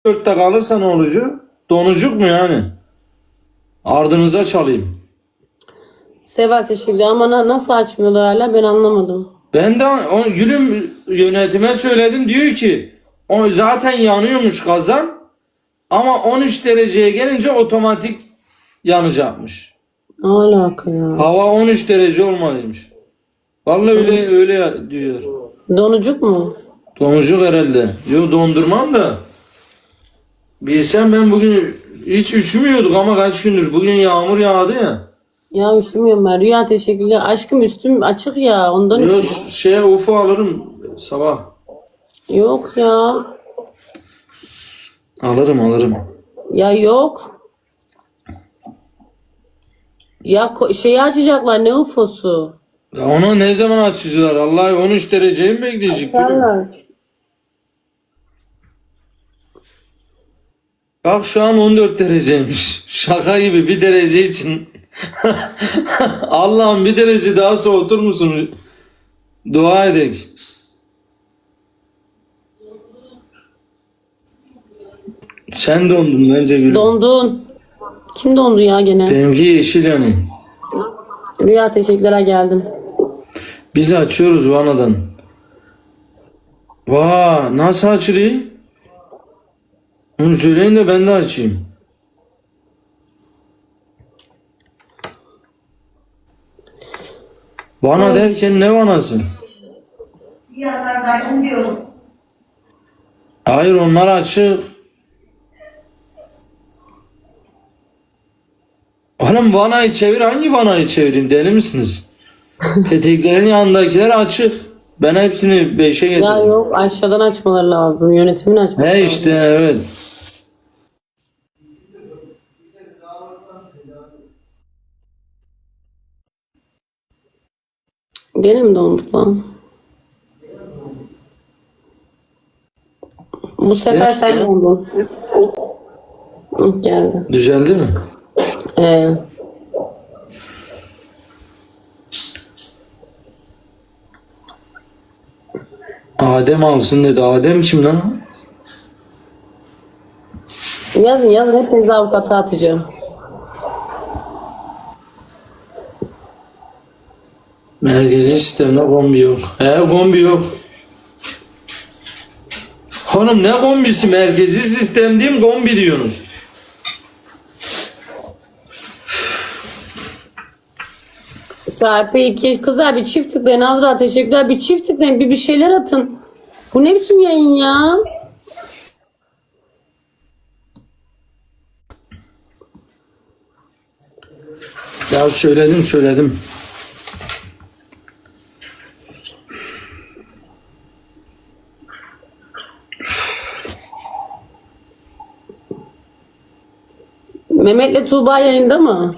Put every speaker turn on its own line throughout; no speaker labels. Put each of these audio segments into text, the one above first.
14'te kalırsa ne olacak? Donucuk mu yani? Ardınıza çalayım.
Seval teşekkürler ama nasıl açmıyorlar hala ben anlamadım.
Ben de gülüm yönetime söyledim, diyor ki o zaten yanıyormuş kazan ama 13 dereceye gelince otomatik yanacakmış.
Ne alaka ya?
Hava 13 derece olmalıymış. Vallahi öyle diyor.
Donucuk mu?
Donucuk herhalde. Yok dondurmam da. Bilsem ben bugün hiç üşümüyorduk ama kaç gündür. Bugün yağmur yağdı ya.
Ya üşümüyorum ben. Rüya teşekkürler. Aşkım üstüm açık ya ondan
Yok
üşüyorum.
ufu alırım sabah.
Yok ya.
Alırım.
Ya yok. Ya şeyi açacaklar ne ufosu?
Ya onu ne zaman açacaklar? Allah 13 dereceyi mi bekleyecek?
Açarlar.
Bak şu an 14 dereceymiş. Şaka gibi bir derece için. Allah'ım bir derece daha soğutur musun? Dua edek. Sen dondun bence gülüm.
Dondun. Kim dondu ya gene?
Benimki yeşil yani.
Rüya teşekkürler geldim.
Biz açıyoruz vanadan. Vaa nasıl açılıyor? Onu söyleyin de ben de açayım. Vana derken ne vanası?
Yanlardayım diyorum.
Hayır onlar açık. Oğlum vanayı çevir, hangi vanayı çevireyim, deli misiniz? Peteklerin yanındakiler açık. Ben hepsini 5'e
Ya
getirdim.
yok aşağıdan açmaları lazım. Yönetimin açması
He
lazım.
işte evet.
Gene mi donduk lan? Bu sefer
Evet.
sen dondun. Hı, geldi.
Düzeldi mi?
Ee,
Adem alsın dedi. Adem kim lan?
yazın hepinizi avukata atacağım.
Merkezi sistemde kombi yok. Kombi yok. Hanım ne kombisi? Merkezi sistem diyeyim, kombi diyorsunuz.
Çarpı 2 kızlar bir çift tıklayın. Azra teşekkürler. Bir çift tıklayın. Bir şeyler atın. Bu ne biçim yayın ya?
Ya söyledim.
Mehmet'le Tuğba yayında mı?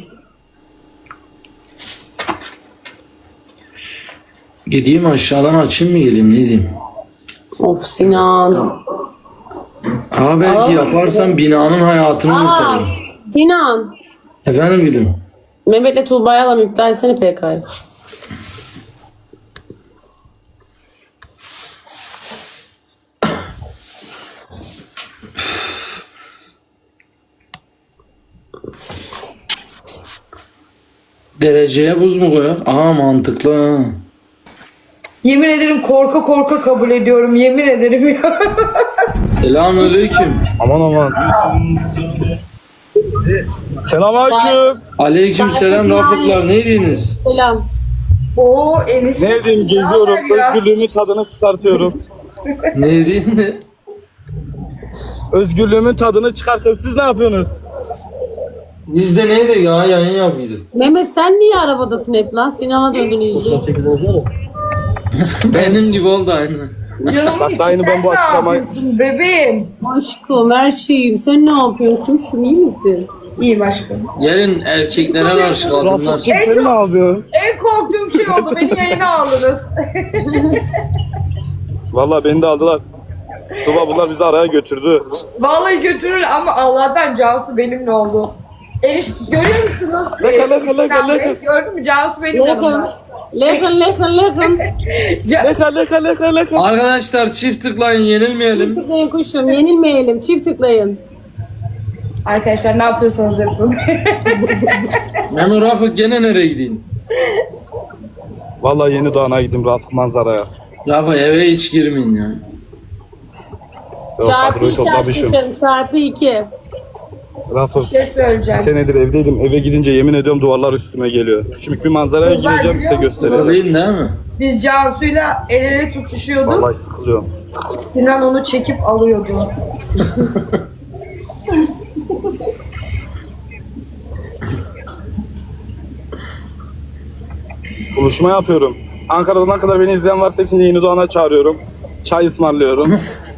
Gideyim aşağıdan açayım mı, geleyim, ne diyeyim?
Of Sinan.
Belki yaparsam binanın hayatını kurtarırım.
Sinan.
Efendim gülüm.
Mehmet'le Tuğba'yı alalım. İptal etsene PK'yı.
Dereceye buz mu koyak? Mantıklı ha.
Yemin ederim korka korka kabul ediyorum. Yemin ederim ya.
Selamünaleyküm.
Aman. Selamünaleyküm.
Aleyküm selam Rafıklar, neydiniz?
Selam.
Oo enişte.
Ne diyeyim, geziyorum. Özgürlüğümün tadını çıkartıyorum.
Neydin de?
Özgürlüğümün tadını çıkartıyorum. Siz ne yapıyorsunuz?
Biz de neydi ya, yayın yapıyorduk.
Mehmet sen niye arabadasın hep lan? Sinan'a döndün iyice.
Benim gibi oldu aynı.
Canım
Bak,
içi
aynı
sen
ben bu
ne
açıklamayı-
yapıyorsun bebeğim?
Aşkım her şeyim. Sen ne yapıyorsun? Kuşum iyi misin?
İyiyim aşkım.
Gelin erkeklere karşı kadınlar.
Rafıkçım seni ne yapıyor?
En korktuğum şey oldu. Beni yayına aldınız.
Vallahi beni de aldılar. Tuba bunlar bizi araya götürdü.
Vallahi götürür ama Allah'tan Cansu benimle oldu. Görüyor musunuz?
Laka,
Sinan
laka.
Bey, gördün mü? Cansu benim yanımda.
Listen.
Leka.
Arkadaşlar çift tıklayın, yenilmeyelim.
Çift tıklayın kuşum. Yenilmeyelim. Çift tıklayın.
Arkadaşlar ne yapıyorsanız yapın.
Memo Rafık gene nereye gideyim?
Vallahi yeni doğana gittim rahat manzaraya.
Rafık eve hiç girmeyin ya.
Yok,
Çarpı
kadroyu
2
toplamışım.
aşkım. Çarpı 2.
Rafım.
Bir şey söyleyeceğim.
Senedir evdeydim. Eve gidince yemin ediyorum duvarlar üstüme geliyor. Şimdi bir manzaraya
Kızlar
gideceğim size
biliyor musun?
göstereyim.
Söyleyin değil mi?
Biz Cansu'yla el ele tutuşuyorduk.
Vallahi sıkılıyorum.
Sinan onu çekip alıyordu.
Buluşma yapıyorum. Ankara'dan ne kadar beni izleyen varsa hepsini yeni doğana çağırıyorum. Çay ısmarlıyorum.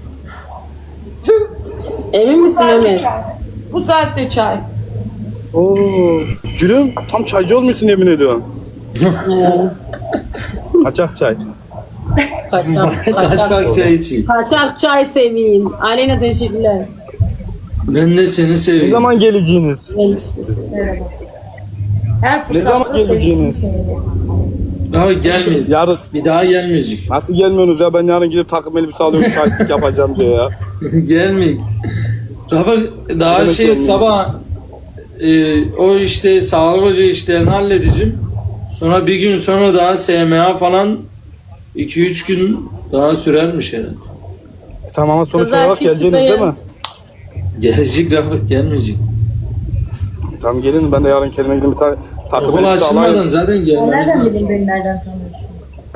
Emin misin Ömer?
Bu saatte çay.
Oo, Gülüm tam çaycı olmuşsun yemin ediyorum. Kaçak çay.
Kaçak çay içeyim.
Kaçak çay seveyim. Aleyna teşekkürler.
Ben de seni
Ne
seveyim.
zaman geleceğiniz?
Her
Ne
fırsatta
zaman geleceğiniz?
Daha gelmeyin.
Yarın.
Bir daha gelmeyecek.
Nasıl gelmiyorsunuz ya? Ben yarın gidip takım elbise alıyorum, şahitlik yapacağım diye ya.
Gelmeyin. Rafık daha
demek
şey
gelmiyor?
sabah o işte sağlık hoca işlerini halledeceğim. Sonra bir gün sonra daha SMA falan 2-3 gün daha sürermiş herhalde.
Tamam ama sonuç
Kızlar
olarak
çift
geleceğiniz değil mi?
Gelecek Rafık gelmeyecek.
Tamam gelin ben de yarın kendime gidip bir tane takım
Okul
elbise
açılmadan
alayım.
zaten gelmemiz
Nereden
lazım.
bileyim beni nereden tanıyorsun?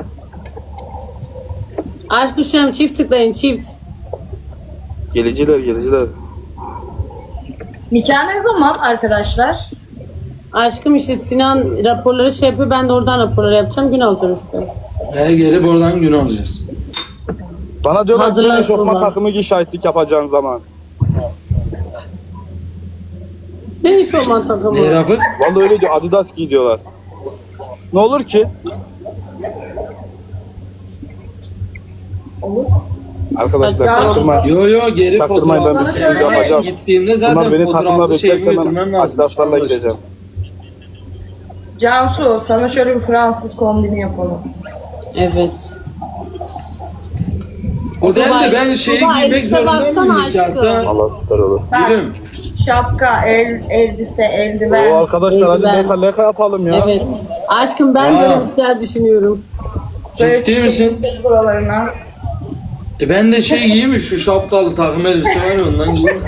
Aşk kuşum çift tıklayın çift.
Geliciler.
Nikah ne zaman arkadaşlar?
Aşkım işte Sinan raporları şey yapıyor. Ben de oradan raporları yapacağım. Gün alacağım işte.
Gelip oradan gün alacağız.
Bana diyorlar
Hazırlan
ki eşofman
sonra.
takımı giy şahitlik yapacağın zaman.
Ne iş olman takımı?
Ne Rafık?
Vallahi öyle diyor Adidas giy diyorlar. Ne olur ki?
Olur.
Arkadaşlar
Ya.
çaktırma.
Yo geri
Çaktırmayın, ben
fotoğrafı
bir şey
çekmeye
yapacağım.
gittiğimde
Bunlar
zaten
beni takımla
fotoğraflı şeyimi
beklerken
götürmem
ben
lazım.
Adidas'larla gideceğim.
Cansu sana şöyle bir Fransız kombini yapalım.
Evet.
O değil de ben şeyi
Tuba,
giymek
elbise
zorunda
baksana
mıyım
aşkım.
nikahta?
Allah süper olur.
Bak
Gülüm.
şapka, elbise,
Oo
eldiven.
arkadaşlar hadi
Eldiven.
leka yapalım ya.
Evet. Aşkım ben
Aa.
böyle bir şeyler düşünüyorum.
Böyle
Ciddi misin?
çiçekli buralarına.
Ben de şey giyeyim mi şu şapkalı takım elbise var ya ondan giyeyim.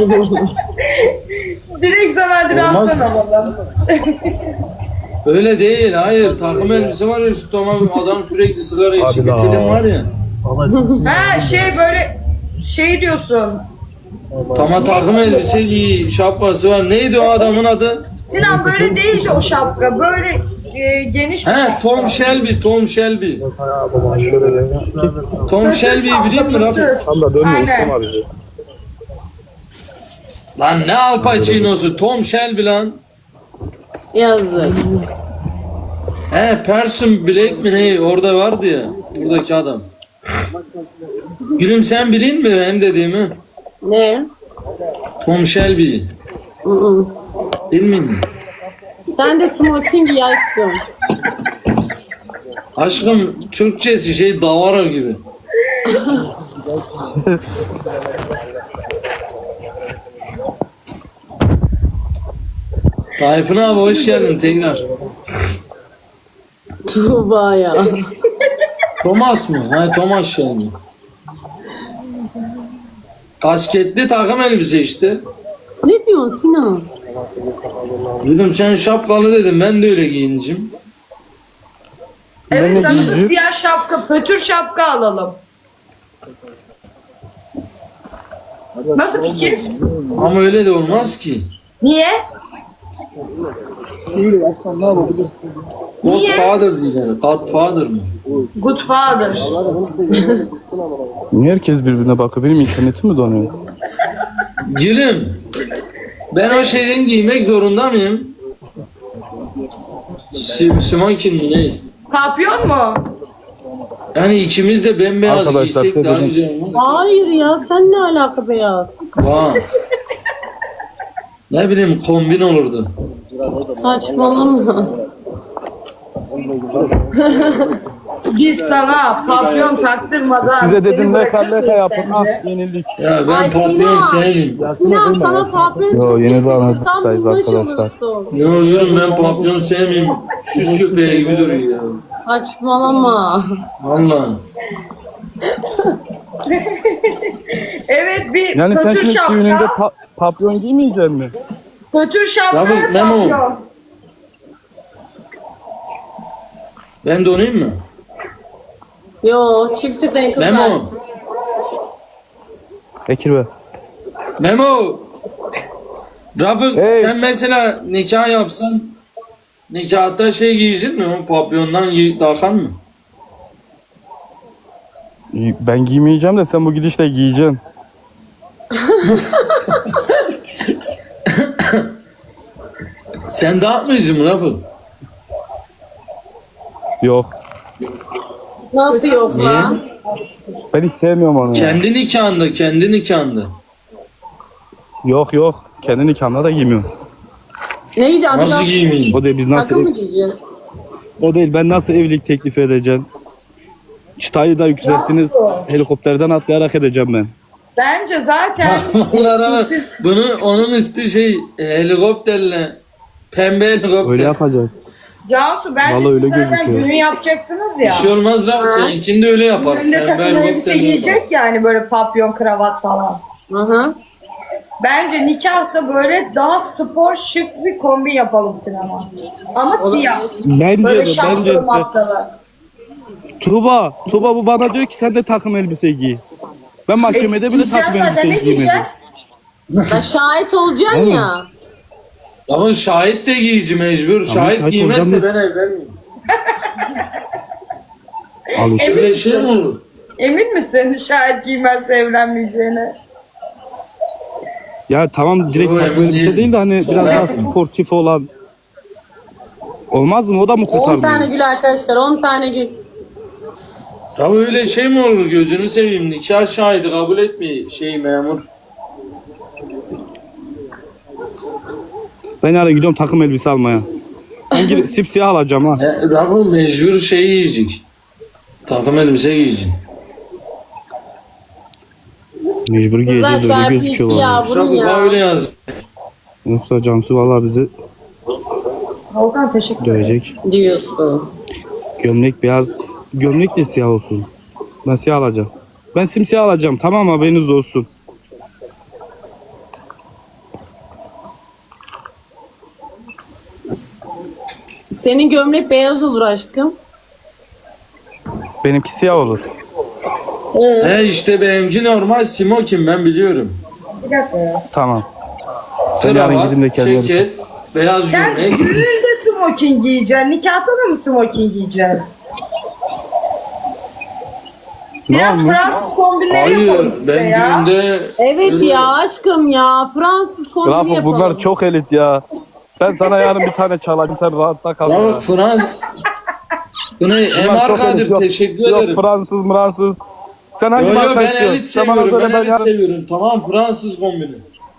Direkt sana Adidas'tan alalım.
Öyle değil hayır takım elbise var ya şu tamam adam sürekli sigara içiyor bir
Abi
film
la.
var ya.
Ha böyle şey diyorsun.
Takım elbise giy şapkası var. Neydi o adamın adı?
Sinan böyle değil o şapka. Böyle geniş bir
He
şapka.
Tom Shelby. Tom Shelby'yi biliyor musun Rafik?
Tam da dönmüyor
Aynen.
Müslüm abi.
Lan ne Al Pacino'su Tom Shelby lan.
Yazık.
He Person Black mi ne orada vardı ya buradaki adam. Gülüm sen bilin mi benim dediğimi?
Ne?
Tom Shelby.
Hı-hı.
Bilmin mi?
Sen de smoking giy aşkım.
Aşkım Türkçesi şey davara gibi. Tayfun abi hoş geldin tekrar.
Tuğba ya.
Thomas mı? Ha Thomas Shelby. Kasketli takım elbise işte.
Ne diyorsun Sinan?
Dedim sen şapkalı dedim ben de öyle giyincim.
Evet sana da siyah şapka, pötür şapka alalım. Nasıl fikir?
Ama öyle de olmaz ki.
Niye?
Godfather diyorlar. Godfather mı?
Good father.
Niye herkes birbirine bakıyor? Benim internetim mi donuyor?
Gülüm. Ben o şeyden giymek zorunda mıyım? Smoking mi ne?
Papyon mu?
Yani ikimiz de bembeyaz
Arkadaşlar,
giysek daha
dedim.
güzel olmaz.
Hayır ya sen ne alaka beyaz?
Vay. Ne bileyim kombin olurdu.
Saçmalama.
Biz sana papyon taktırmadan
Size dedim
seni
ne
bırakır
kalleka
mıyız
yapın.
sence?
Ah yenildik.
Ya ben
Ay,
papyon
Sinan.
sevmiyorum.
Sinan sana papyon
Yo,
çok
yeni
yakışır.
bir
Tam
anlatıştayız
bulmuş
arkadaşlar.
olursun.
Ne oluyorum ben papyon sevmiyorum. Süs köpeği gibi duruyor ya.
Saçmalama.
Valla.
Evet bir
Yani sen
kötü
şimdi düğününde
şapka.
papyon giymeyecek mi?
Kötü şapka
Ya bu Memo.
papyon.
Ben donayım mı?
Yo çifti denk kızlar.
Memo.
Bekir Bey.
Memo. Rafık
Hey.
sen mesela nikah yapsan nikahta şey giyecek mi? O papyondan takan mı?
Ben giymeyeceğim de sen bu gidişle giyeceksin.
Sen dağıtmayacaksın mı Rafık?
Yok.
Nasıl yok
Niye?
lan?
Ben hiç sevmiyorum onu. Ya.
Kendi nikahında, kendi nikahında.
Yok yok. Kendi nikahımda da giymiyorum.
Ne diyeceğim?
Nasıl giymeyeyim?
O değil biz nasıl
Takım mı giyeceksin?
o değil ben nasıl evlilik teklif edeceğim? Çıtayı da yükselttiniz. Helikopterden atlayarak edeceğim ben.
Bence zaten
Onlara
siz-
bunu onun üstü şey helikopterle pembe helikopter.
Öyle yapacağız.
Cansu bence
Vallahi
siz
öyle
zaten
gözüküyor.
düğün yapacaksınız ya.
Bir şey olmaz Rafık seninkini de öyle yapar.
Düğünde
Pembe
takım elbise
helikopterle
giyecek yani böyle papyon kravat falan.
Hı hı.
Bence nikahta böyle daha spor şık bir kombin yapalım sinema. Ama siyah.
Bence
Böyle
de bence
şapkalı
de.
mapkalı.
Tuğba bu bana diyor ki sen de takım elbise giy. Ben mahkemede bile
Giyeceğiz
takım
zaten, ne
elbise giymedim.
giyeceksin?
Ya şahit olacaksın
Vallahi.
ya.
Ama şahit de giyici mecbur. Şahit
şahit
giymezse
olacağım
ben evlenmeyeyim.
Al işte.
Öyle şey mi olur?
Emin misin şayet giymezse evlenmeyeceğine?
Ya tamam direkt
Yo,
takım
emin
elbise
değilim.
değil de hani biraz daha sportif olan. Olmaz mı? O da mı
10 tane
kurtarmıyor?
gül arkadaşlar 10 tane gül.
Ya öyle şey mi olur gözünü seveyim nikah şahidi kabul etmiyor şey memur.
Ben yarın gidiyorum takım elbise almaya. Ben gidip sipsiyah alacağım ha.
Rafı mecbur şey yiyecek. Takım elbise giyeceksin.
Mecbur
Kızlar
giyeceğiz öyle
çarpı
gözüküyor
2 ya
vallahi.
vurun
Rafı bana
ya.
öyle yaz.
Yoksa Cansu vallahi bizi
Volkan teşekkür ederim.
dövecek.
Diyorsun.
Gömlek beyaz. Gömlek de siyah olsun. Ben siyah alacağım. Ben simsiyah alacağım. Tamam haberiniz olsun.
Senin gömlek beyaz olur aşkım.
Benimki siyah olur.
He işte benimki normal smokin ben biliyorum.
Bir dakika ya.
Tamam. Ben yarın
Kravat,
gideyim de kendime-
ceket, beyaz
Sen
gömlek.
düğünde smoking giyeceksin. Nikahta da mı smoking giyeceksin?
Ne
Biraz
olmuş?
Fransız kombinleri yapalım
Hayır
işte
ben
ya.
düğünde
Evet ya aşkım ya. Fransız kombini
Rafı
yapalım.
bunlar çok elit ya. Ben sana yarın bir tane çalayım sen rahatta kal ya.
ya Fransız bu ne
Bunlar
MR
çok elit.
Kadir
Yok-
teşekkür
yok
ederim.
Fransız. Sen hangi
Yo yo
marka
ben
istiyorsun?
elit
Sen bana
seviyorum.
söyle,
Ben elit
yarın-
seviyorum. Tamam Fransız kombini.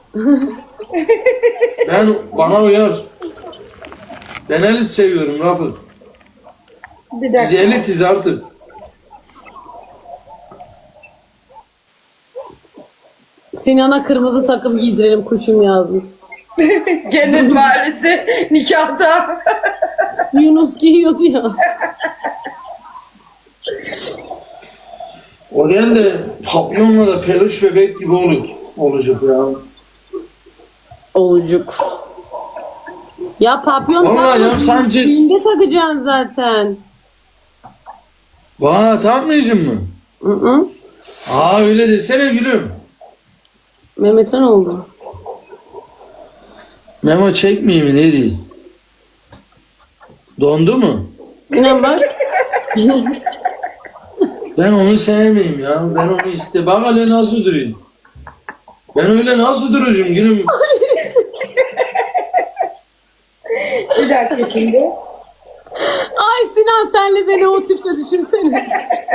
Bana uyar. Ben elit seviyorum Rafı.
Bir
Biz
dakika.
elitiz artık.
Sinan'a kırmızı takım giydirelim kuşum yazmış.
Cennet Mahallesi nikahta.
Yunus giyiyordu ya.
O değil de papyonla da peluş bebek gibi olacak ya.
Oğucuk. Ya papyon
Vallahi ya
takma.
sence-
Düğünde takacaksın zaten.
Vaa takmayacaksın mı?
Hı hı.
Aa öyle desene gülüm.
Mehmet'e ne oldu?
Memo çekmeyeyim mi ne diyeyim? Dondu mu?
Sinan bak.
Ben onu sevmeyeyim ya. Ben onu bak hele nasıl durayım. Ben öyle nasıl duracağım gülüm?
Bir dakika şimdi.
Ay Sinan senle beni o tipte düşünsene.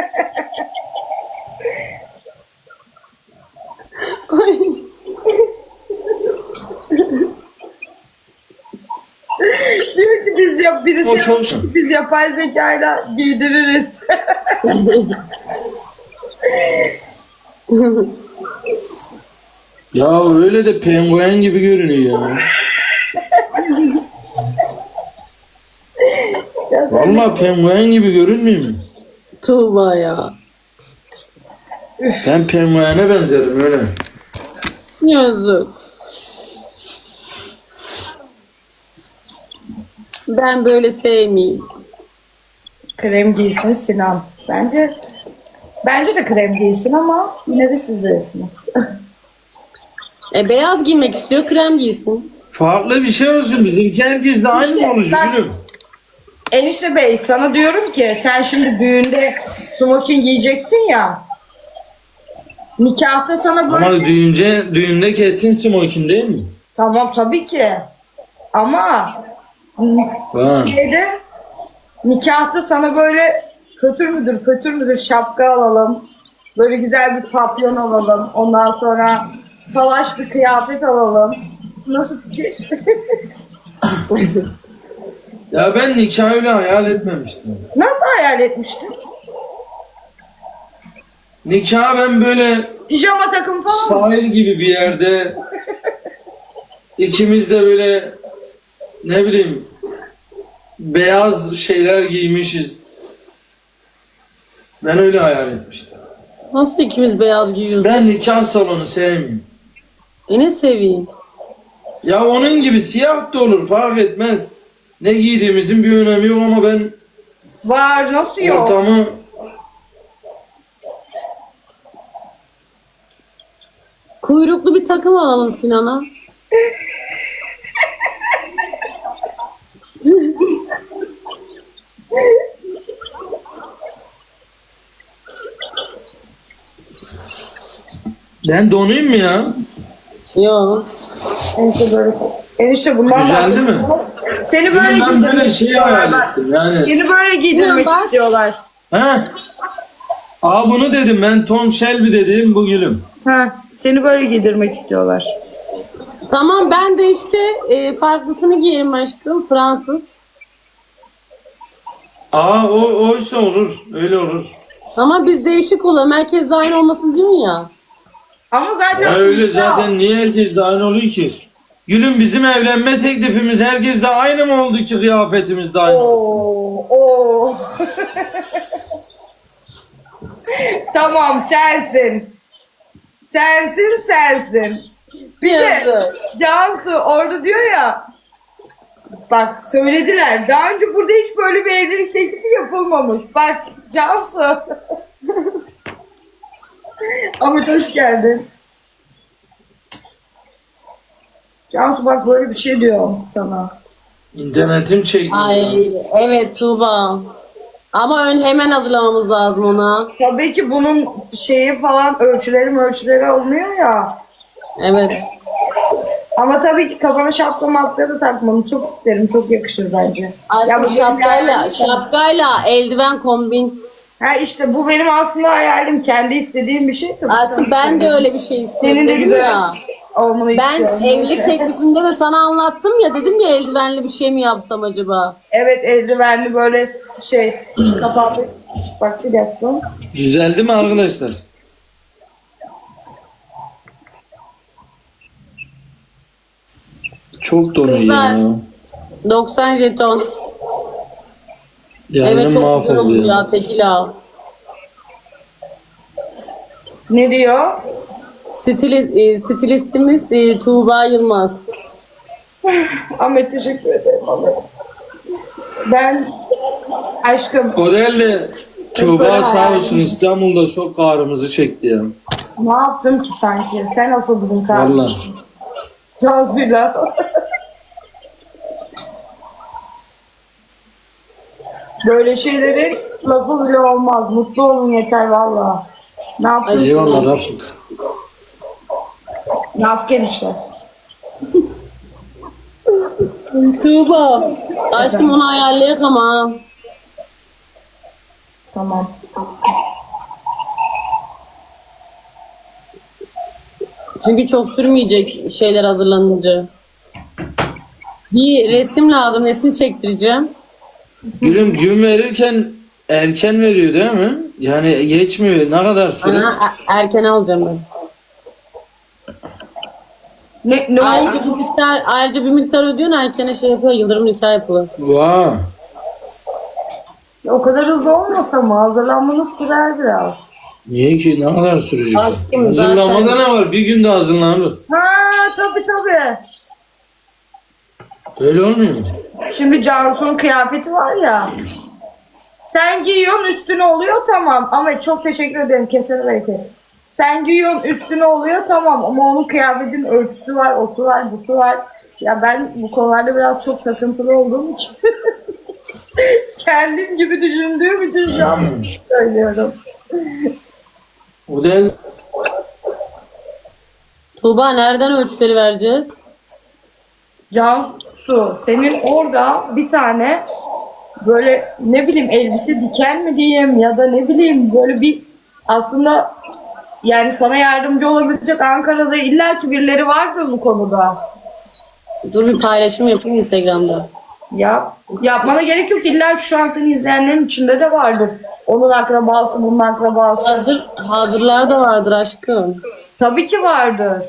Ay.
Diyor ki
O çok şık.
biz yapay zekayla giydiririz.
Ya öyle de penguen gibi görünüyor ya. Vallahi penguen gibi görünmüyor mu?
Tuğba ya.
Ben penguene benzerim öyle.
Yazık. Ben böyle sevmeyeyim.
Krem giysin Sinan. Bence de krem giysin ama yine de siz bilirsiniz.
Beyaz giymek istiyor, krem giysin.
Farklı bir şey olsun. Bizimki herkes de aynı
İşte
mı olacak
bak-
gülüm?
Enişte Bey sana diyorum ki sen şimdi düğünde smoking giyeceksin ya. Nikahta sana böyle...
Ama düğünde kesin smoking değil mi?
Tamam tabii ki. Ama
Ha.
nikahta sana böyle pötür müdür şapka alalım. Böyle güzel bir papyon alalım. Ondan sonra salaş bir kıyafet alalım. Nasıl fikir?
Ya ben nikah öyle hayal etmemiştim.
Nasıl hayal etmiştin?
Nikah ben böyle
Pijama takımı falan mı?
sahil gibi bir yerde ikimiz de böyle ne bileyim beyaz şeyler giymişiz. Ben öyle hayal etmiştim.
Nasıl ikimiz beyaz giyiyoruz?
Ben nikah salonu sevmiyorum.
Ne seveyim?
Ya onun gibi siyah da olur fark etmez. Ne giydiğimizin bir önemi yok ama ben
Var nasıl yok?
ortamı
Kuyruklu bir takım alalım Sinan'a.
ben donayım mı ya?
Yok.
Enişte böyle. Enişte bundan
Güzeldi
bahsediyorum.
mi?
Seni böyle
Ben
giydirmek
böyle şey
istiyorlar.
hayal
Bak.
ettim yani.
Seni böyle giydirmek
Bak.
istiyorlar.
Ha? Aa bunu dedim ben Tom Shelby dediğim bu gülüm.
Ha, seni böyle giydirmek istiyorlar.
Tamam ben de işte farklısını giyerim aşkım. Fransız.
Aa oysa olur öyle olur.
Ama biz değişik olalım. Herkes de aynı olmasın değil mi ya?
Ama zaten
Ya öyle zaten niye herkes de aynı oluyor ki? Gülüm bizim evlenme teklifimiz herkes de aynı mı oldu ki kıyafetimiz de aynı olsun?
Oo. Tamam sensin. Sensin. Bir de
Yazık.
Cansu orada diyor ya. Bak söylediler. Daha önce burada hiç böyle bir evlilik teklifi yapılmamış. Bak Cansu. Ahmet hoş geldin. Cansu bak böyle bir şey diyor sana.
İnternetim çekti.
Ay evet Tuğba. Ama hemen hazırlamamız lazım ona.
Tabii ki bunun şeyi falan ölçüleri olmuyor ya.
Evet.
Ama tabii ki kafana şapka mapka da takmanı çok isterim. Çok yakışır bence.
Aşkım
bu benim
şapkayla eldiven kombin.
Ha işte bu benim aslında hayalim. Kendi istediğim bir şey tabii.
Aslında ben de öyle bir şey istiyorum
Senin de
dedim
güzel
ya.
olmanı
Ben
istiyorum.
evlilik teklifinde de sana anlattım ya, dedim ya eldivenli bir şey mi yapsam acaba?
Evet eldivenli böyle şey kapalı. Bak bir dakika.
Düzeldi mi arkadaşlar? Çok donuyor
Kızlar.
ya.
90 jeton.
Yarın
Evet çok güzel
mahvoldu
oldu
ya.
ya Tekila.
Ne diyor?
Stilistimiz Tuğba Yılmaz.
Ahmet teşekkür ederim. Ahmet. Ben aşkım
O değil de Tuğba sağ olsun İstanbul'da çok ağrımızı çekti ya.
ne yaptım ki sanki? Sen asıl bizim
Vallahi.
kardeşim. Cansu'yla. Böyle şeylerin lafı bile olmaz. Mutlu olun yeter valla. Ne yapayım?
Eyvallah Rafık.
Nafken işte.
Tuğba. Aşkım onu ayarlayak ama.
Tamam.
Çünkü çok sürmeyecek şeyler hazırlanınca. Bir resim lazım. Resim çektireceğim.
Gülüm gün verirken erken veriyor değil mi? Yani geçmiyor. Ne kadar süre?
Erken alacağım ben.
Ne
Ayrıca
oldu?
ayrıca bir miktar ödüyorsun, erkene şey yapıyor. Yıldırım nikah yapılır.
Vay.
O kadar hızlı olmasa mı? Hazırlanmanız sürer biraz.
Niye ki? Ne kadar sürecek?
Aşkım
Hazırlamada
zaten.
ne var? Bir günde hazırlanır.
Ha tabii.
Öyle olmuyor mu?
Şimdi Cansu'nun kıyafeti var ya. Sen giyiyorsun üstüne oluyor tamam. Ama çok teşekkür ederim kesene bereket. Sen giyiyorsun üstüne oluyor tamam. Ama onun kıyafetin ölçüsü var, osu var, busu var. Ya ben bu konularda biraz çok takıntılı olduğum için. Kendim gibi düşündüğüm için şu an söylüyorum.
O değil.
Tuğba nereden ölçüleri vereceğiz?
Cansu senin orada bir tane böyle ne bileyim elbise diken mi diyeyim ya da ne bileyim böyle bir aslında yani sana yardımcı olabilecek Ankara'da illaki birileri vardır bu konuda.
Dur bir paylaşım yapayım Instagram'da.
Yapmana gerek yok. İllaki şu an seni izleyenlerin içinde de vardır. Onun akrabası, bunun akrabası.
Hazırlar da vardır aşkım.
Tabii ki vardır.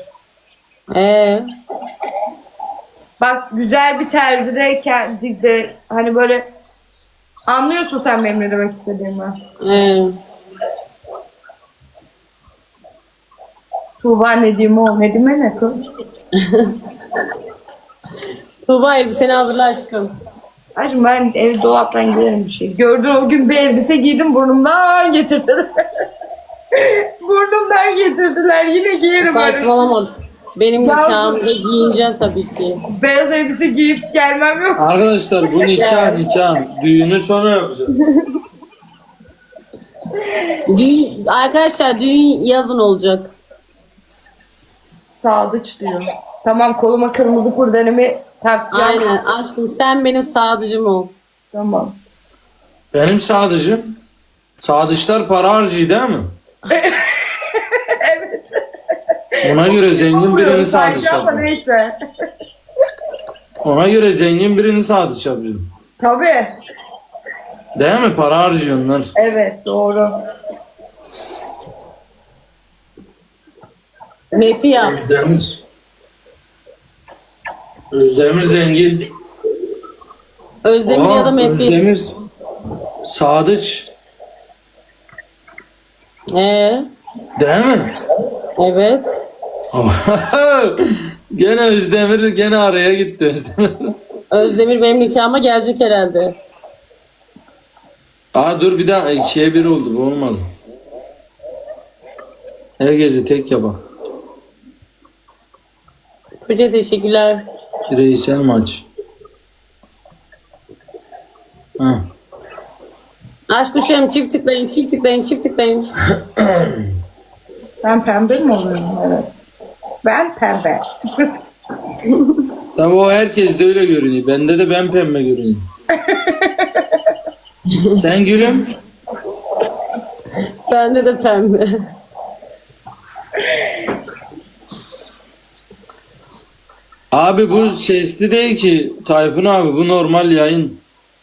Bak güzel bir terzide kendinde hani böyle anlıyorsun sen benim ne demek istediğimi. Tuğba ne diyeyim o? Ne diyeyim ne kız?
Tuğba elbiseni hazırla aşkım.
Aşkım ben ev dolaptan giyerim bir şey. Gördün o gün bir elbise giydim burnumdan getirdiler. Burnumdan getirdiler. Yine giyerim.
Saçmalama. Benim
Cansu.
nikahımda giyineceksin tabii ki.
Beyaz elbise giyip gelmem yok.
Arkadaşlar bu nikah. Düğünü sonra yapacağız.
Arkadaşlar düğün yazın olacak.
Sadıç diyor. Tamam koluma kırmızı kurdelemi takacağım.
Aynen aşkım sen benim sadıcım ol.
Tamam.
Benim sadıcım. Sadıçlar para harcıyor değil mi?
Evet.
Ona göre zengin birini
Sanki
sadıç
ama
yapacağım.
neyse.
Ona göre zengin birini sadıç yapacağım.
Tabii.
Değil mi? Para harcıyorlar.
Evet doğru.
Mefi yap.
Özdemir zengin.
Özdemir ya da Mefi.
Özdemir sadıç. Değil mi?
Evet.
Gene Özdemir gene araya gitti Özdemir.
Özdemir benim nikahıma gelecek herhalde.
Dur bir daha 2'ye 1 oldu, bu olmadı. Herkesi tek yapak.
Koca teşekkürler.
Bireysel maç. Ha.
Aşk kuşağım çift tıklayın.
Ben pembe mi oluyorum? Evet. Ben pembe.
Tabii o herkes de öyle görünüyor. Bende de ben pembe görünüyor. Sen gülüm.
Bende de pembe.
Abi bu sesli değil ki Tayfun abi, bu normal yayın.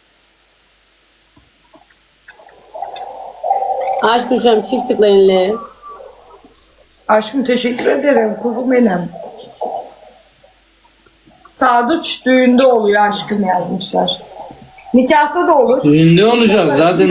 Aşk kuşağım çift tıklayın le.
Aşkım teşekkür ederim. Kuzum benim. Sadıç düğünde oluyor aşkım yazmışlar. Nikahta da olur.
Düğünde olacak zaten.